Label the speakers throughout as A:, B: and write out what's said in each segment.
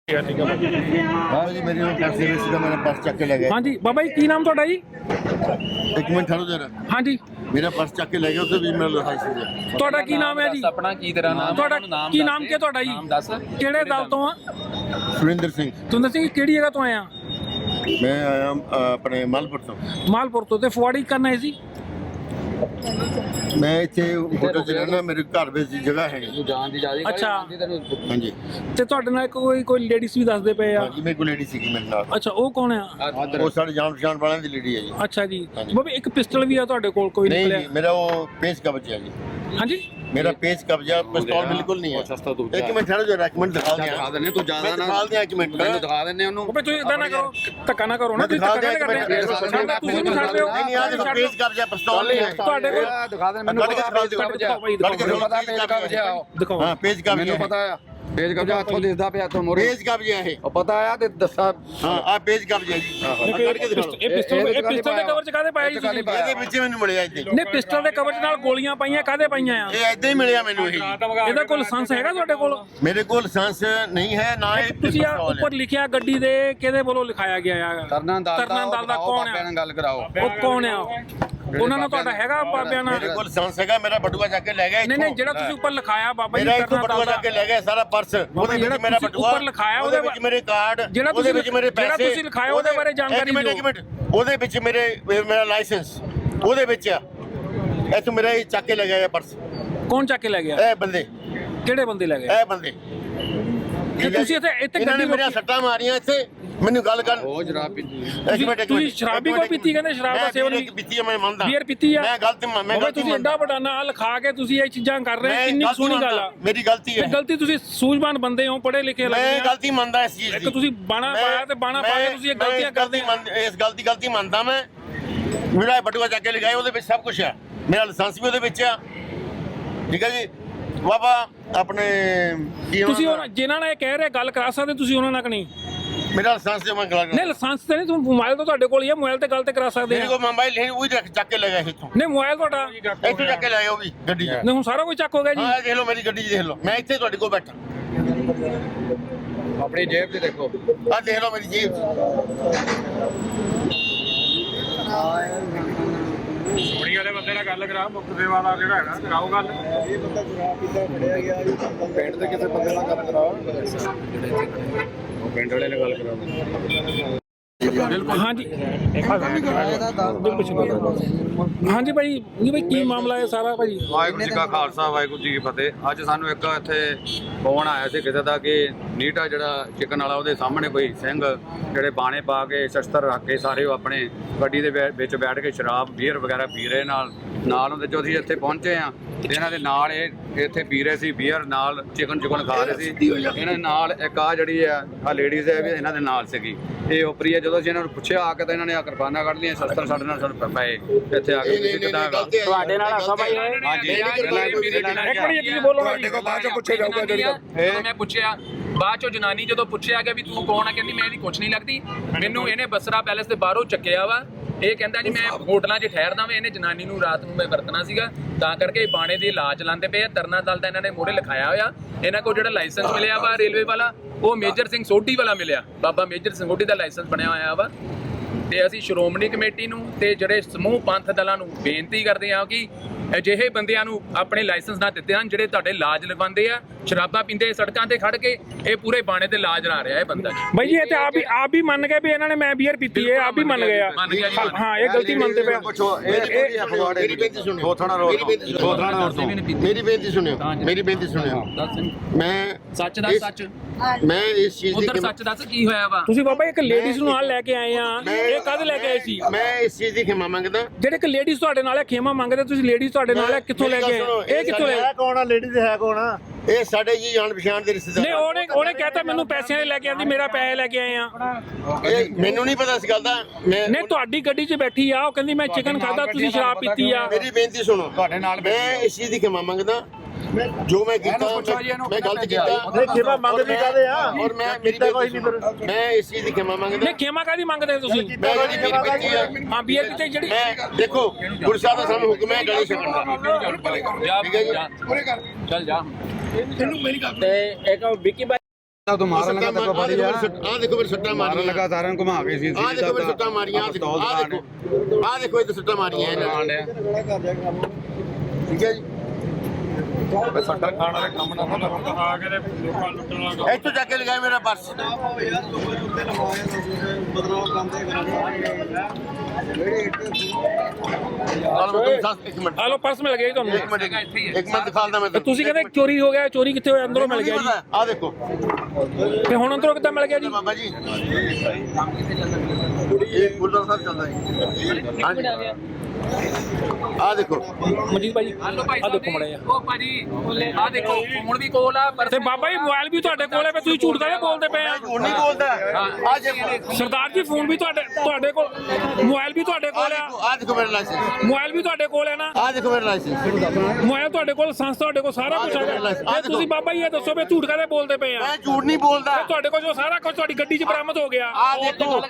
A: हाँ जी मेरी पर्स दे रहे मैंने पर्स चक के ले गए।
B: हाँ जी बाबा जी की नाम थोड़ा जी?
A: एक मिनट ठहरो जरा।
B: हाँ जी
A: मेरा पर्स चक के ले गए, उससे भी मेरा लाइसेंस है।
B: ਤੁਹਾਡਾ ਕੀ ਨਾਮ ਹੈ ਜੀ?
C: ਆਪਣਾ ਕੀ ਤੇਰਾ ਨਾਮ?
B: ਤੁਹਾਡਾ ਕੀ ਨਾਮ ਕੀ ਤੁਹਾਡਾ ਜੀ?
C: ਨਾਮ ਦੱਸ।
B: ਕਿਹੜੇ ਦਲ ਤੋਂ ਆ?
A: सुरेंद्र सिंह।
B: ਤੁਸੀਂ ਦੱਸੋ ਕਿਹੜੀ ਜਗ੍ਹਾ ਤੋਂ ਆਏ ਆ?
A: मैं आया अपने मालपुर तो।
B: ਮਾਲਪੁਰ ਤੋਂ। ਤੇ ਫੁਆੜੀ ਕਰਨ ਆਏ ਸੀ?
A: मैं इतने होटल च रहना, मेरे घर ਵਿੱਚ जगह है।
C: ਤੂੰ ਜਾਣ ਦੀ ਜਾਦੀ
B: ਅੱਛਾ।
A: हाँ जी
B: ਤੇ ਤੁਹਾਡੇ ਨਾਲ ਕੋਈ ਲੇਡੀਜ਼ ਵੀ ਦੱਸਦੇ ਪਏ ਆ?
A: हाँ जी मेरे को लेडी सी मेरे नाल।
B: ਅੱਛਾ ਉਹ ਕੌਣ ਆ?
A: वो साढ़े जान पहचान वालों की लेडी है जी।
B: ਅੱਛਾ ਜੀ
A: ਹਾਂਜੀ।
B: ਬਾਬਾ ਇੱਕ ਪਿਸਟਲ ਵੀ ਆ ਤੁਹਾਡੇ ਕੋਲ ਕੋਈ
A: नहीं
B: ਨਿਕਲਿਆ?
A: जी मेरा वो पेज कब्जा है जी।
B: हाँ जी
A: मेरा पेज कब्जा, पिस्तौल बिल्कुल नहीं है।
C: ਸਸਤਾ ਤੂੰ
A: एक मिनट ठहरो जरा, एक मिनट दिखा
C: ਦਿਖਾ
A: दिया।
C: ਦਿੰਨੇ ਤੂੰ ਜ਼ਿਆਦਾ ਨਾ
A: दिखा दिया एक मिनट।
C: ਮੈਨੂੰ ਦਿਖਾ ਦਿੰਨੇ ਉਹਨੂੰ।
B: ਬਾਬਾ ਤੁਸੀਂ ਇਦਾਂ ਨਾ ਕਰੋ, ਧੱਕਾ ਨਾ ਕਰੋ ਨਾ, ਤੁਸੀਂ
A: दिखा
B: ਧੱਕਾ
A: दिया
B: ਨਾ
A: एक
B: ਕਰਦੇ
A: मिनट।
B: ਤੁਸੀਂ ਨਹੀਂ ਛੱਡਦੇ ਹੋ।
A: नहीं नहीं आज तो पेज कब्जा, पिस्तौल नहीं है।
B: ਤੁਹਾਡੇ ਕੋਲ
C: ਦਿਖਾ ਦੇ ਮੈਨੂੰ।
A: ਕੱਢ ਕੇ ਦਿਖਾਓ,
B: ਦਿਖਾਓ ਭਾਈ,
A: ਕੱਢ ਕੇ
B: ਦਿਖਾਓ।
C: ਪਤਾ ਪੇਜ ਕਬਜ਼ਾ
B: ਦਿਖਾਓ
A: हाँ पेज कब्जा
C: ਮੈਨੂੰ
A: है।
C: ਪਤਾ ਆ ਪੇਜ ਕਬਜ਼ਾ ਹੱਥੋਂ ਦਿਸਦਾ ਪਿਆ ਤੋਂ ਮੋਰੇ
A: पेज कब्जा है।
C: ਉਹ ਪਤਾ ਆ ਤੇ ਦੱਸਾ
A: हाँ आप पेज कब्जा है जी। ਕੱਢ ਕੇ ਦਿਖਾਓ।
B: ਇਹ ਪਿਸਟਲ ਦੇ ਕਵਰ ਚ ਕਾਹਦੇ ਪਾਇਆ ਜੀ ਤੁਸੀਂ?
A: ਇਹਦੇ ਵਿੱਚ ਮੈਨੂੰ ਮਿਲਿਆ ਇੱਥੇ।
B: ਨੇ ਪਿਸਟਲ ਦੇ ਕਵਰ ਚ ਨਾਲ ਗੋਲੀਆਂ ਪਾਈਆਂ, ਕਾਹਦੇ ਪਾਈਆਂ ਆ?
A: ਇਹ ਏਦਾਂ ਹੀ ਮਿਲਿਆ ਮੈਨੂੰ ਇਹ।
B: ਇਹਦਾ ਕੋਈ ਲਾਇਸੈਂਸ ਹੈਗਾ ਤੁਹਾਡੇ ਕੋਲ?
A: ਮੇਰੇ ਕੋਲ ਲਾਇਸੈਂਸ ਨਹੀਂ ਹੈ ਨਾ ਇਹ
B: ਤੁਸੀਂ ਆ ਉੱਪਰ ਲਿਖਿਆ ਗੱਡੀ ਦੇ ਕਿਹਦੇ ਵੱਲੋਂ ਲਿਖਾਇਆ ਗਿਆ ਆ?
C: ਤਰਨਾ ਦਲ
B: ਦਾ ਕੌਣ
C: ਬਾਬਿਆਂ
B: ਆ?
C: ਨਾਲ ਗੱਲ ਕਰਾਓ।
B: ਉਹ ਕੌਣ ਆ? ਉਹਨਾਂ ਨਾਲ ਤੁਹਾਡਾ ਹੈਗਾ ਬਾਬਿਆਂ ਨਾਲ?
A: ਮੇਰੇ ਕੋਲ ਲਾਇਸੈਂਸ ਹੈਗਾ, ਮੇਰਾ ਬਟੂਆ ਚੱਕ ਕੇ ਲੈ ਗਿਆ ਇੱਥੋਂ।
B: ਨਹੀਂ ਜਿਹੜਾ ਤੁਸੀਂ ਉੱਪਰ ਲਿਖਾਇਆ ਬਾਬਾ ਜੀ
A: ਮੇਰਾ ਇੱਥੋਂ
B: ਕਰਨਾ
A: ਬਟੂਆ ਚੱਕ ਕੇ ਲੈ ਗਿਆ ਸਾਰਾ ਪਰਸ। ਉਹਦੇ
B: ਜਿਹੜਾ
A: ਵਿੱਚ ਮੇਰਾ
B: ਤੁਸੀਂ
A: ਬਟੂਆ
B: ਉੱਪਰ ਲਿਖਾਇਆ
A: ਉਹਦੇ ਵਿੱਚ ਮੇਰੇ ਕਾਰਡ,
B: ਜਿਹੜਾ
A: ਉਹਦੇ ਵਿੱਚ ਮੇਰੇ
B: ਜਿਹੜਾ
A: ਪੈਸੇ।
B: ਤੁਸੀਂ ਲਿਖਾਇਆ ਉਹਦੇ ਬਾਰੇ ਜਾਣਕਾਰੀ ਦਿਓ।
A: ਇੱਕ ਮਿੰਟ ਉਹਦੇ ਵਿੱਚ ਮੇਰਾ ਲਾਇਸੈਂਸ ਉਹਦੇ ਵਿੱਚ ਆ। ਇੱਥੋਂ ਮੇਰਾ ਇਹ ਚੱਕ ਕੇ ਲੈ ਗਿਆ ਪਰਸ।
B: ਕੌਣ ਚੱਕ ਕੇ ਲੈ ਗਿਆ?
A: ਇਹ ਬੰਦੇ,
B: ਕਿਹੜੇ ਬੰਦੇ ਲੈ ਗਏ?
A: ਇਹ ਬੰਦੇ।
B: ਤੇ ਤੁਸੀਂ ਇੱਥੇ
A: ਇਹਨਾਂ ਨੇ
B: ਗੱਡੀ
A: ਮੇਰੀਆਂ ਸੱਟਾਂ ਮਾਰੀਆਂ ਇੱਥੇ। ਮੈਨੂੰ ਗੱਲ ਕਰ।
C: ਉਹ ਜਰਾਬ ਪੀਤੀ।
A: ਇੱਕ ਮਿੰਟ
B: ਤੁਸੀਂ ਸ਼ਰਾਬ ਵੀ ਕੋਈ ਪੀਤੀ? ਕਹਿੰਦੇ ਸ਼ਰਾਬ ਦਾ ਸੇਵਨ ਵੀ
A: ਪੀਤੀ ਹੈ, ਮੈਂ ਮੰਨਦਾ।
B: ਬੀਅਰ ਪੀਤੀ ਆ?
A: ਮੈਂ ਗਲਤ
B: ਤੁਸੀਂ ਐਡਾ ਵੱਡਾ ਨਾਂ ਲਿਖਾ ਕੇ ਤੁਸੀਂ ਇਹ ਚੀਜ਼ਾਂ ਕਰ ਰਹੇ ਹੋ, ਕਿੰਨੀ ਸੋਹਣੀ ਗੱਲ ਆ।
A: ਮੇਰੀ ਗਲਤੀ
B: ਤੇ
A: ਹੈ।
B: ਗਲਤੀ ਤੁਸੀਂ ਸੂਝਵਾਨ ਬੰਦੇ ਹੋ, ਪੜ੍ਹੇ ਲਿਖੇ
A: ਮੈਂ
B: ਲੱਗਦੇ ਆ।
A: ਗਲਤੀ ਮੰਨਦਾ ਇਸ ਚੀਜ਼ ਦੀ।
B: ਇੱਕ ਤੁਸੀਂ ਬਾਣਾ ਪਾਇਆ ਤੇ ਬਾਣਾ ਪਾ ਕੇ ਤੁਸੀਂ ਇਹ ਗਲਤੀਆਂ ਕਰਦੇ ਆ।
A: ਇਸ ਗਲਤੀ ਮੰਨਦਾ ਮੈਂ। ਮੇਰਾ ਬਟੂਆ ਚੱਕ ਕੇ ਲਗਾਇਆ, ਉਹਦੇ ਵਿੱਚ ਸਭ ਕੁਝ ਆ। ਮੇਰਾ ਲਾਇਸੈਂਸ ਵੀ ਉਹਦੇ ਵਿੱਚ ਆ। ਠੀਕ ਹੈ ਜੀ ਬਾਬਾ ਆਪਣੇ
B: ਤੁਸੀਂ ਜਿਨ੍ਹਾਂ ਨਾਲ ਇਹ ਕਹਿ ਰਹੇ ਗੱਲ ਕਰਾ ਸਕਦੇ ਤੁਸੀਂ ਉਹਨਾਂ ਨਾਲ ਕਿ ਨਹੀਂ?
A: ਮੇਰਾ ਲਾਇਸੈਂਸ ਜਮਾ ਕਰਾ
B: ਨਹੀਂ ਲਾਇਸੈਂਸ ਤੇ ਨਹੀਂ, ਤੁਸੀਂ ਮੋਬਾਈਲ ਤਾਂ ਤੁਹਾਡੇ ਕੋਲ ਹੀ ਹੈ, ਮੋਬਾਈਲ ਤੇ ਗੱਲ ਤੇ ਕਰਾ ਸਕਦੇ
A: ਮੇਰੇ
B: ਆ।
A: ਕੋਲ ਮੋਬਾਈਲ ਹੈ, ਉਹ ਚੱਕ ਕੇ ਲਗਾਇਆ ਇੱਥੋਂ।
B: ਨਹੀਂ ਮੋਬਾਈਲ ਤੁਹਾਡਾ
A: ਇੱਥੋਂ ਚੱਕ ਕੇ ਲਾਇਆ ਉਹ ਵੀ ਗੱਡੀ 'ਚ।
B: ਨਹੀਂ ਹੁਣ ਸਾਰਾ ਕੁਝ ਚੱਕ ਹੋ ਗਿਆ ਜੀ।
A: ਹਾਂ ਦੇਖ ਲਓ ਮੇਰੀ ਗੱਡੀ 'ਚ ਦੇਖ ਲਓ, ਮੈਂ ਇੱਥੇ ਤੁਹਾਡੇ ਕੋਲ ਬੈਠਾ।
C: ਆਪਣੀ ਜੇਬ 'ਚ ਦੇਖੋ।
A: ਆਹ ਦੇਖ ਲਓ ਮੇਰੀ ਜੇਬ
D: ਕੁੜੀ ਵਾਲੇ ਬੰਦੇ ਨਾਲ ਗੱਲ ਕਰਾ, ਮੁੱਖ ਸੇਵਾ ਦਾ ਜਿਹੜਾ ਹੈਗਾ ਕਰਾਓ ਗੱਲ।
A: ਇਹ ਬੰਦਾ ਸ਼ਰਾਬ ਪੀਤਾ ਫੜਿਆ ਗਿਆ ਜੀ। ਪਿੰਡ ਦੇ ਕਿਸੇ ਬੰਦੇ ਨਾਲ ਗੱਲ ਕਰਾਓ।
D: ਉਹ ਪਿੰਡ ਵਾਲੇ ਨਾਲ ਗੱਲ ਕਰਾਓ।
B: ਹਾਂਜੀ ਹਾਂਜੀ ਭਾਈ ਜੀ ਭਾਈ ਕੀ ਮਾਮਲਾ ਹੈ ਸਾਰਾ ਭਾਈ?
C: ਵਾਹਿਗੁਰੂ ਜੀ ਕਾ ਖਾਲਸਾ ਵਾਹਿਗੁਰੂ ਜੀ ਕੀ ਫਤਿਹ। ਅੱਜ ਸਾਨੂੰ ਇੱਕ ਇੱਥੇ ਫੋਨ ਆਇਆ ਸੀ ਕਿਸੇ ਦਾ ਕਿ ਨੀਟਾ ਜਿਹੜਾ ਚਿਕਨ ਵਾਲਾ ਉਹਦੇ ਸਾਹਮਣੇ ਕੋਈ ਸਿੰਘ ਜਿਹੜੇ ਬਾਣੇ ਪਾ ਕੇ ਸ਼ਸਤਰ ਰੱਖ ਕੇ ਸਾਰੇ ਉਹ ਆਪਣੇ ਗੱਡੀ ਦੇ ਵਿੱਚ ਬੈਠ ਕੇ ਸ਼ਰਾਬ ਬੀਅਰ ਵਗੈਰਾ ਪੀ ਰਹੇ ਨਾਲ ਉਹਦੇ ਜੋ ਅਸੀਂ ਇੱਥੇ ਪਹੁੰਚੇ ਆ ਤੇ ਇਹਨਾਂ ਦੇ ਨਾਲ ਇਹ ਇੱਥੇ ਪੀ ਰਹੇ ਸੀ ਬੀਅਰ, ਨਾਲ ਚਿਕਨ ਖਾ ਰਹੇ ਸੀ। ਇਹਨਾਂ ਦੇ ਨਾਲ ਇੱਕ ਆ ਜਿਹੜੀ ਆ ਲੇਡੀਜ਼ ਹੈ ਵੀ ਇਹਨਾਂ ਦੇ ਨਾਲ ਸੀਗੀ। ਇਹ ਉਪਰੀ ਹੈ। ਜਦੋਂ ਅਸੀਂ ਇਹਨਾਂ ਨੂੰ ਪੁੱਛਿਆ ਆ ਕੇ ਤਾਂ ਇਹਨਾਂ ਨੇ ਆ ਕਿਰਪਾਨਾਂ ਕੱਢ ਲਈਆਂ, ਸ਼ਸਤਰ ਸਾਡੇ ਨਾਲ ਸਾਨੂੰ ਪਏ ਇੱਥੇ ਆ ਕੇ ਕਿੱਦਾਂ ਹੈਗਾ
B: ਤੁਹਾਡੇ ਨਾਲ ਹਾਸਾ ਭਾਈ ਹੈ?
C: ਹਾਂਜੀ
B: ਇੱਕ ਮਿੰਟ ਤੁਸੀਂ ਬੋਲੋ ਨਾ ਜੀ।
C: ਬਾਅਦ ਚੋਂ ਪੁੱਛਿਆ ਜਾਊਗਾ
E: ਜਦੋਂ ਮੈਂ ਪੁੱਛਿਆ ਬਾਅਦ ਚੋਂ ਜਨਾਨੀ ਜਦੋਂ ਪੁੱਛਿਆ ਗਿਆ ਵੀ ਤੂੰ ਕੌਣ ਆ, ਕਹਿੰਦੀ ਮੈਂ ਇਹਦੀ ਕੁਛ ਨਹੀਂ ਲੱਗਦੀ। ਮੈਨੂੰ ਇਹਨੇ ਬਸਰਾ ਪੈਲੇਸ ਦੇ ਬਾਹਰੋਂ ਚੱਕਿਆ ਵਾ। ਇਹ ਕਹਿੰਦਾ ਜੀ ਮੈਂ ਹੋਟਲਾਂ 'ਚ ਠਹਿਰਦਾ ਵਾਂ। ਇਹਨੇ ਜਨਾਨੀ ਨੂੰ ਰਾਤ ਨੂੰ ਮੈਂ ਵਰਤਣਾ ਸੀਗਾ, ਤਾਂ ਕਰਕੇ ਬਾਣੇ ਦੀ ਲਾਜ ਲਾਉਂਦੇ ਪਏ ਆ। ਤਰਨਾ ਦਲ ਦਾ ਇਹਨਾਂ ਨੇ ਮੋਹਰੇ ਲਿਖਾਇਆ ਹੋਇਆ। ਇਹਨਾਂ ਕੋਲ ਜਿਹੜਾ ਲਾਇਸੈਂਸ ਮਿਲਿਆ ਵਾ ਰੇਲਵੇ ਵਾਲਾ, ਉਹ ਮੇਜਰ ਸਿੰਘ ਸੋਢੀ ਵਾਲਾ ਮਿਲਿਆ। ਬਾਬਾ ਮੇਜਰ ਸਿੰਘ ਸੋਢੀ ਦਾ ਲਾਇਸੈਂਸ ਬਣਿਆ ਹੋਇਆ ਵਾ। ਤੇ ਅਸੀਂ ਸ਼੍ਰੋਮਣੀ ਕਮੇਟੀ ਨੂੰ ਤੇ ਜਿਹੜੇ ਸਮੂਹ ਪੰਥ ਦਲਾਂ ਨੂੰ ਬੇਨਤੀ ਕਰਦੇ ਹਾਂ ਕਿ ਅਜਿਹੇ ਬੰਦਿਆਂ ਨੂੰ ਆਪਣੇ ਲਾਇਸੈਂਸ ਨਾ ਦਿੱਤੇ ਹਨ ਜਿਹੜੇ ਤੁਹਾਡੇ ਲਾਜ ਲਗਵਾਉਂਦੇ ਆ, ਸ਼ਰਾਬਾਂ ਪੀਂਦੇ ਸੜਕਾਂ ਤੇ ਖੜ ਕੇ। ਇਹ ਪੂਰੇ ਬਾਣੇ ਤੇ ਲਾਜ ਲਾ ਰਿਹਾ ਇਹ ਬੰਦਾ।
B: ਭਾਈ ਜੀ ਇਹ ਤੇ ਆਪ ਵੀ ਮੰਨ ਗਏ ਵੀ ਇਹਨਾਂ ਨੇ ਮੈਂ ਬੀਅਰ ਪੀਤੀ ਹੈ, ਆਪ ਵੀ ਮੰਨ ਗਏ ਆ।
E: ਮੰਨ ਗਿਆ ਜੀ, ਮੰਨ
B: ਹਾਂ ਇਹ ਗਲਤੀ ਮੰਨਦੇ ਪਏ।
A: ਮੇਰੀ ਬੇਨਤੀ ਸੁਣਿਓ।
C: ਥੋਥਾਣਾ ਰੋਡ ਤੋਂ
A: ਮੇਰੀ ਬੇਨਤੀ ਸੁਣਿਓ। ਮੇਰੀ ਬੇਨਤੀ ਸੁਣਿਓ। ਮੈਂ
E: ਸੱਚ ਦਾ ਸੱਚ,
A: ਮੈਂ ਇਸ ਚੀਜ਼ ਦੀ
E: ਉਧਰ ਸੱਚ ਦੱਸ ਕੀ ਹੋਇਆ ਵਾ।
B: ਤੁਸੀਂ ਬਾਬਾ ਇੱਕ ਲੇਡੀਜ਼ ਨੂੰ ਨਾਲ ਲੈ ਕੇ ਆਏ ਆ, ਇਹ ਕਦ ਲੈ ਕੇ ਆਏ ਸੀ?
A: ਮੈਂ ਇਸ ਚੀਜ਼ ਦੀ ਖਿਮਾ ਮੰਗਦਾ।
B: ਜਿਹੜੇ ਇੱਕ ਲੇਡੀਜ਼ ਤੁਹਾਡੇ ਨਾਲ ਹੈ ਖੇਮਾ ਮੰਗਦੇ, ਤੁਸੀਂ ਲੇਡੀਜ਼ ਤੁਹਾਡੇ ਨਾਲ ਹੈ, ਕਿੱਥੋਂ ਲੈ ਕੇ ਆਏ? ਇਹ ਕਿੱਥੋਂ ਲੈ?
A: ਕੌਣ ਆ ਲੇਡੀ ਹੈ ਕੌਣ ਆ? ਇਹ ਸਾਡੇ ਜੀ ਜਾਣ ਪਛਾਣ ਦੇ ਰਿਸ਼ਤੇਦਾਰ।
B: ਨਹੀਂ ਉਹਨੇ ਕਹਤਾ ਮੈਨੂੰ ਪੈਸਿਆਂ ਦੇ ਲੈ ਕੇ ਆਂਦੀ, ਮੇਰਾ ਪੈਸੇ ਲੈ ਕੇ ਆਏ ਆ।
A: ਇਹ ਮੈਨੂੰ ਨਹੀਂ ਪਤਾ ਇਸ ਗੱਲ ਦਾ।
B: ਨਹੀਂ ਤੁਹਾਡੀ ਗੱਡੀ 'ਚ ਬੈਠੀ ਆ, ਉਹ ਕਹਿੰਦੀ ਮੈਂ ਚਿਕਨ ਖਾਦਾ, ਤੁਸੀਂ ਸ਼ਰਾਬ ਪੀਤੀ ਆ।
A: ਮੇਰੀ ਬੇਨਤੀ ਸੁਣੋ।
C: ਤੁਹਾਡੇ ਨਾਲ
A: ਮੈਂ ਇਸ ਚੀਜ਼ ਦੀ ਖਿਮਾ ਮੰਗਦਾ ਜੋ ਮੈਂ ਕੀਤਾ। ਮੈਂ ਗਲਤ ਕੀਤਾ।
D: ਖਿਮਾ ਮੰਗਦੇ ਕਾਹਦੇ ਆ?
A: ਔਰ ਮੈਂ ਮੇਰੀ ਬੇਨਤੀ ਸੁਣੋ। ਮੈਂ ਇਸ ਚੀਜ਼ ਦੀ ਖਿਮਾ ਮੰਗਦਾ।
B: ਨਹੀਂ ਖੇਮਾ ਕਾਹਦੀ ਮੰਗਦੇ ਤੁਸੀਂ?
A: ਮੈਂ ਜਿਹੜੀ ਮੇਰੀ ਬੇਨਤੀ ਹੈ,
B: ਹਾਂ ਬੀਅਰ ਕਿਤੇ ਜਿਹੜੀ
A: ਮੈਂ ਦੇਖੋ ਗੁਰੂ ਸਾਹਿਬ ਦਾ ਸਾਨੂੰ ਹੁਕਮ ਹੈ ਗਲੇ ਛਕਣ ਦਾ।
E: ਜਾ
A: ਠੀਕ ਹੈ ਜੀ।
E: ਚੱਲ ਜਾ।
B: ਤੇ ਇੱਕ ਵਿੱਕੀ
C: ਤੂੰ ਮਾਰਨ ਲੱਗਾ ਤੇ ਬੜੀ ਆ
A: ਆ ਦੇਖੋ ਮੇਰੇ ਸੱਟਾਂ
C: ਮਾਰਨ
A: ਮਾਰੀਆਂ
C: ਲੱਗਾ ਸਾਰਿਆਂ ਨੂੰ ਘੁਮਾ ਕੇ ਸੀ
A: ਆ ਦੇਖੋ ਮੇਰੇ ਸੱਟਾਂ ਮਾਰੀਆਂ ਆ ਦੇਖੋ ਆ ਦੇਖੋ ਇਹ ਸੱਟਾਂ ਮਾਰੀਆਂ ਇਹਨਾਂ ਨੇ ਠੀਕ ਹੈ ਜੀ
C: ਸੱਟਾਂ ਖਾਣ ਵਾਲੇ ਕੰਮ ਨਾ ਆ ਕੇ ਲੋਕਾਂ ਲੁੱਟਣ ਲੱਗਾ
A: ਇੱਥੋਂ ਜਾ ਕੇ ਲਗਾਏ ਮੇਰਾ ਪਰਸ ਇੱਕ ਮਿੰਟ
B: ਆ ਲੋ ਪਰਸ ਮਿਲ ਗਿਆ ਜੀ ਤੁਹਾਨੂੰ
A: ਇੱਕ ਮਿੰਟ ਦਿਖਾਉਂਦਾ ਮੈਂ
B: ਤੇ ਤੁਸੀਂ ਕਹਿੰਦੇ ਚੋਰੀ ਹੋ ਗਿਆ, ਚੋਰੀ ਕਿੱਥੇ ਹੋਇਆ? ਅੰਦਰੋਂ ਮਿਲ ਗਿਆ ਜੀ।
A: ਆ ਦੇਖੋ
B: ਤੇ ਹੁਣ ਅੰਦਰੋਂ ਕਿੱਦਾਂ ਮਿਲ ਗਿਆ ਜੀ?
A: ਬਾਬਾ ਜੀ ਇਹ ਗੁਰਦੁਆਰਾ ਸਾਹਿਬ ਚੱਲਦਾ ਜੀ ਹਾਂਜੀ ਆ ਦੇਖੋ
B: ਮਨਜੀਤ ਭਾਈ
E: ਹਲੋ ਭਾਈ
B: ਆ ਦੇਖੋ ਮੜਿਆ
E: ਉਹ ਭਾਜੀ ਆ ਦੇਖੋ ਫੋਨ ਵੀ ਕੋਲ ਆ ਪਰ
B: ਤੇ ਬਾਬਾ ਜੀ ਮੋਬਾਈਲ ਵੀ ਤੁਹਾਡੇ ਕੋਲ ਹੈ, ਤੁਸੀਂ ਝੂਠ ਕਾਹਦੇ ਬੋਲਦੇ ਪਏ ਆ?
A: ਝੂਠ ਨਹੀਂ ਬੋਲਦਾ ਆ ਦੇਖੋ
B: ਸਰਦਾਰ ਜੀ ਫੋਨ ਵੀ ਤੁਹਾਡੇ ਕੋਲ, ਮੋਬਾਈਲ ਵੀ ਤੁਹਾਡੇ ਕੋਲ ਆ,
A: ਆ ਦੇਖੋ ਮੇਰਾ ਲਾਇਸੈਂਸ
B: ਮੋਬਾਈਲ ਵੀ ਤੁਹਾਡੇ ਕੋਲ ਹੈ ਨਾ?
A: ਆ ਦੇਖੋ ਮੇਰਾ ਲਾਇਸੈਂਸ
B: ਮੋਬਾਈਲ ਤੁਹਾਡੇ ਕੋਲ, ਲਾਇਸੈਂਸ ਤੁਹਾਡੇ ਕੋਲ, ਸਾਰਾ ਕੁਝ ਹੈਗਾ। ਤੇ ਤੁਸੀਂ ਬਾਬਾ ਜੀ ਇਹ ਦੱਸੋ ਵੀ ਝੂਠ ਕਾਹਦੇ ਬੋਲਦੇ ਪਏ ਆ?
A: ਮੈਂ ਝੂਠ ਨਹੀਂ ਬੋਲਦਾ
B: ਤੇ ਤੁਹਾਡੇ ਕੋਲ ਜੋ ਸਾਰਾ ਕੁਝ ਤੁਹਾਡੀ ਗੱਡੀ 'ਚ ਬਰਾਮਦ ਹੋ ਗਿਆ।
A: ਆ ਦੇਖੋ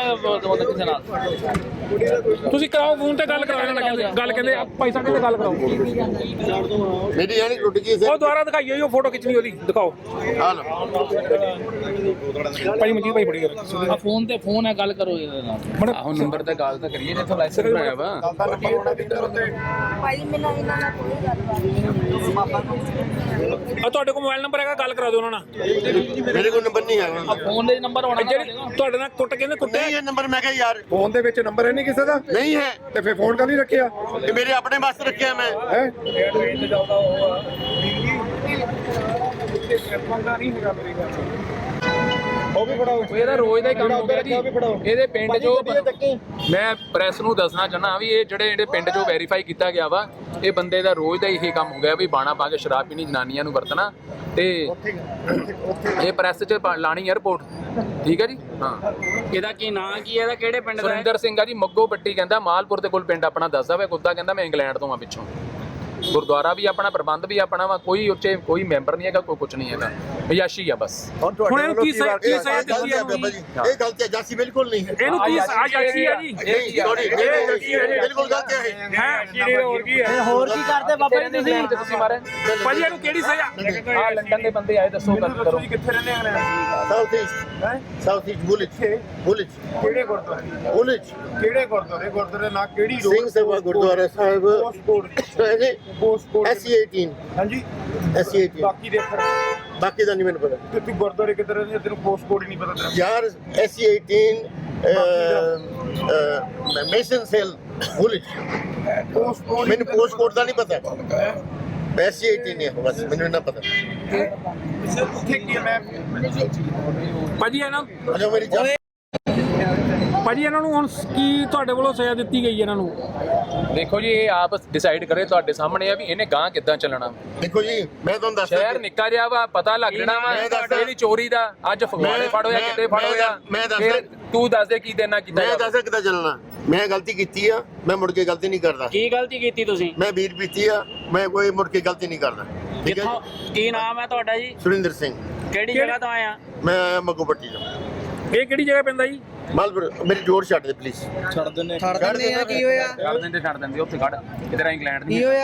B: ਤੁਸੀਂ ਕਰਾਓ ਫੋਨ ਤੇ ਗੱਲ ਕਰਾਓ ਇਹਨਾਂ ਨਾਲ, ਗੱਲ ਕਹਿੰਦੇ ਭਾਈ ਸਾਹਿਬ ਕਹਿੰਦੇ ਗੱਲ ਕਰਾਓ।
A: ਮੇਰੀ ਯਾਨੀ ਟੁੱਟ ਗਈ ਸੀ
B: ਉਹ ਦੁਬਾਰਾ ਦਿਖਾਈਏ ਉਹ ਫੋਟੋ ਖਿੱਚਣੀ ਉਹਦੀ, ਦਿਖਾਓ
A: ਆ ਲਓ
B: ਭਾਈ ਮਨਜੀਤ ਭਾਈ ਫੜੀ ਕਰ
F: ਆ ਫੋਨ ਤੇ ਫੋਨ ਹੈ, ਗੱਲ ਕਰੋ ਇਹਦੇ ਨਾਲ।
E: ਆਹੋ ਨੰਬਰ ਤੇ ਗੱਲ ਤਾਂ ਕਰੀਏ ਜਿੱਥੋਂ ਲਾਇਸੈਂਸ ਬਣਾਇਆ ਵਾ
G: ਭਾਈ ਮੈਨੂੰ ਇਹਨਾਂ ਨਾਲ ਕੋਈ ਗੱਲਬਾਤ ਨਹੀਂ।
B: ਆ ਤੁਹਾਡੇ ਕੋਲ ਮੋਬਾਈਲ ਨੰਬਰ ਹੈਗਾ, ਗੱਲ ਕਰਾ ਦਿਓ ਉਹਨਾਂ ਨਾਲ।
A: ਮੇਰੇ ਕੋਲ ਨੰਬਰ ਨਹੀਂ ਹੈ
F: ਫੋਨ ਦੇ ਨੰਬਰ ਹੋਣਾ
B: ਜਿਹੜੀ ਤੁਹਾਡੇ ਨਾਲ ਕੁੱਟ ਕਹਿੰਦੇ ਕੁੱਟੇ
A: ਨਹੀਂ ਇਹ ਨੰਬਰ ਮੈਂ ਕਿਹਾ ਯਾਰ
C: ਫੋਨ ਦੇ ਵਿੱਚ ਨੰਬਰ ਹੈ ਨਹੀਂ ਕਿਸੇ ਦਾ
A: ਨਹੀਂ ਹੈ
C: ਤੇ ਫਿਰ ਫੋਨ ਕਾਹਦੀ ਰੱਖਿਆ
A: ਇਹ ਮੇਰੇ ਆਪਣੇ ਵਾਸਤੇ ਰੱਖਿਆ ਮੈਂ
C: ਹੈ ਉਹ ਵੀ ਫੜਾਓ
E: ਇਹਦਾ ਰੋਜ਼ ਦਾ ਹੀ ਕੰਮ ਹੋ ਗਿਆ ਜੀ। ਇਹਦੇ ਪਿੰਡ ਜੋ ਮੈਂ ਪ੍ਰੈਸ ਨੂੰ ਦੱਸਣਾ ਚਾਹਨਾ ਵੀ ਇਹ ਜਿਹੜੇ ਪਿੰਡ ਜੋ ਵੈਰੀਫਾਈ ਕੀਤਾ ਗਿਆ ਵਾ, ਇਹ ਬੰਦੇ ਦਾ ਰੋਜ਼ ਦਾ ਇਹੀ ਕੰਮ ਹੋ ਗਿਆ ਵੀ ਬਾਣਾ ਪਾ ਕੇ ਸ਼ਰਾਬ ਪੀਣੀ, ਜਨਾਨੀਆਂ ਨੂੰ ਵਰਤਣਾ ਤੇ ਇਹ ਪ੍ਰੈਸ 'ਚ ਲਾਣੀ 에ਅਰਪੋਰਟ। ਠੀਕ ਹੈ ਜੀ। ਹਾਂ
F: ਇਹਦਾ ਕੀ ਨਾਂ ਕੀ ਹੈ, ਇਹਦਾ ਕਿਹੜੇ ਪਿੰਡ ਦਾ ਹੈ?
E: ਸੁਰਿੰਦਰ ਸਿੰਘ ਆ ਜੀ, ਮੱਗੋ ਪੱਟੀ ਕਹਿੰਦਾ, ਮਾਲਪੁਰ ਦੇ ਕੋਲ ਪਿੰਡ ਆਪਣਾ ਦੱਸਦਾ ਵਾ। ਕੁੱਤਾ ਕਹਿੰਦਾ ਮੈਂ ਇੰਗਲੈਂਡ ਤੋਂ ਆ ਪਿੱਛੋਂ। ਗੁਰਦੁਆਰਾ ਵੀ ਆਪਣਾ, ਪ੍ਰਬੰਧ ਵੀ ਆਪਣਾ ਵਾ, ਕੋਈ ਉੱਚੇ ਕੋਈ ਮੈਂਬਰ ਨਹੀਂ ਹੈਗਾ, ਕੋਈ ਕੁਝ ਨਹੀਂ ਹੈਗਾ, ਬਿਆਸ਼ੀ ਆ ਬਸ।
B: ਹੁਣ ਇਹਨੂੰ ਕੀ ਸਜ਼ਾ ਦਿੱਤੀ ਹੈ?
A: ਬਾਬਾ ਜੀ ਇਹ ਗਲਤੀ ਹੈ ਜਾਸੀ ਬਿਲਕੁਲ ਨਹੀਂ ਹੈ
B: ਇਹਨੂੰ ਕੀ ਆਜ਼ਾਦੀ ਹੈ ਜੀ?
A: ਬਿਲਕੁਲ ਗਲਤੀ ਹੈ
B: ਹੈ ਹੋਰ ਕੀ ਹੈ?
F: ਹੋਰ ਕੀ ਕਰਦੇ ਬਾਬਾ ਜੀ ਤੁਸੀਂ?
E: ਤੁਸੀਂ ਮਾਰੇ
B: ਭਾਜੀ ਇਹਨੂੰ ਕਿਹੜੀ ਸਜ਼ਾ?
E: ਆ ਲੰਡਨ ਦੇ ਬੰਦੇ ਆਏ, ਦੱਸੋ ਗੱਲ ਕਰੋ।
B: ਕਿੱਥੇ ਰਹਿੰਦੇ ਆ?
A: ਸਾਊਥ ਈਸਟ ਬੁਲਿਚ
C: ਕਿਹੜੇ ਗੁਰਦੁਆਰੇ
A: ਬੁਲਿਚ
C: ਕਿਹੜੇ ਗੁਰਦੁਆਰੇ ਨਾ ਕਿਹੜੀ
A: ਸਿੰਘ ਸਭਾ ਗੁਰਦੁਆਰਾ ਸਾਹਿਬ SC 18
C: ਹਾਂਜੀ
A: SC 18
C: ਬਾਕੀ ਦੇ ਫਿਰ
A: ਬਾਕੀ ਦਾ ਨਹੀਂ ਮੈਨੂੰ ਪਤਾ
C: ਤੇ ਤੂੰ ਗੁਰਦੁਆਰੇ ਕਿੱਧਰ ਰਹਿੰਦੇ ਤੈਨੂੰ ਪੋਸਟ ਕੋਡ ਹੀ ਨਹੀਂ ਪਤਾ ਤੇਰਾ
A: ਯਾਰ SC 18 ਮੇਸਨ ਸੈਲ ਬੁਲਿਚ ਮੈਨੂੰ ਪੋਸਟ ਕੋਡ ਦਾ ਨਹੀਂ ਪਤਾ SC 18 ਹੈ ਬਸ ਮੈਨੂੰ ਇਹਨਾਂ ਪਤਾ
C: ਉੱਥੇ ਕੀ ਹੈ ਮੈਂ
B: ਭਾਜੀ ਇਹਨਾਂ
A: ਅਜਾ ਮੇਰੀ ਜਾਨ
B: ਭਾਜੀ ਇਹਨਾਂ ਨੂੰ ਹੁਣ ਕੀ ਤੁਹਾਡੇ ਵੱਲੋਂ ਸਜ਼ਾ ਦਿੱਤੀ ਗਈ ਇਹਨਾਂ ਨੂੰ?
E: ਦੇਖੋ ਜੀ ਇਹ ਆਪ ਡਿਸਾਈਡ ਕਰੇ, ਤੁਹਾਡੇ ਸਾਹਮਣੇ ਆ ਵੀ ਇਹਨੇ ਗਾਂ ਕਿੱਦਾਂ ਚੱਲਣਾ।
A: ਦੇਖੋ ਜੀ ਮੈਂ ਤੁਹਾਨੂੰ ਦੱਸਦਾ
E: ਸ਼ਹਿਰ ਨਿੱਕਾ ਜਿਹਾ ਵਾ, ਪਤਾ ਲੱਗ ਜਾਣਾ ਵਾ ਇਹਦੀ ਚੋਰੀ ਦਾ। ਅੱਜ ਫਗਵਾੜੇ ਫੜ ਹੋਇਆ, ਕਿਤੇ ਫੜ ਹੋਇਆ,
A: ਮੈਂ ਦੱਸਦਾ
E: ਫਿਰ ਤੂੰ ਦੱਸ ਦੇ ਕੀ ਦੇਣਾ ਕੀਤਾ
A: ਮੈਂ
E: ਜਾਵੇ।
A: ਦੱਸਦਾ ਕਿੱਦਾਂ ਚੱਲਣਾ। ਮੈਂ ਗਲਤੀ ਕੀਤੀ ਆ, ਮੈਂ ਮੁੜ ਕੇ ਗਲਤੀ ਨਹੀਂ ਕਰਦਾ।
F: ਕੀ ਗਲਤੀ ਕੀਤੀ ਤੁਸੀਂ?
A: ਮੈਂ ਵੀਰ ਪੀਤੀ ਆ, ਮੈਂ ਕੋਈ ਮੁੜ ਕੇ ਗਲਤੀ ਨਹੀਂ ਕਰਦਾ। ਠੀਕ ਹੈ
F: ਕਿੱਥੋਂ, ਕੀ ਨਾਮ ਹੈ ਤੁਹਾਡਾ ਜੀ?
A: ਸੁਰਿੰਦਰ ਸਿੰਘ
F: ਕਿਹੜੀ ਜਗ੍ਹਾ ਤੋਂ ਆਏ ਆ?
A: ਮੈਂ ਆਇਆ ਮੱਗੋ ਪੱਟੀ ਤੋਂ।
B: ਇਹ ਕਿਹੜੀ ਜਗ੍ਹਾ ਪੈਂਦਾ ਜੀ?
A: ਮਾਲਪੁਰ ਮੇਰੀ ਜੋੜ ਛੱਡ ਦੇ ਪਲੀਜ਼
E: ਛੱਡ ਦਿੰਦੇ ਉੱਥੇ ਖੜ, ਕਿਧਰ ਇੰਗਲੈਂਡ ਨਹੀਂ।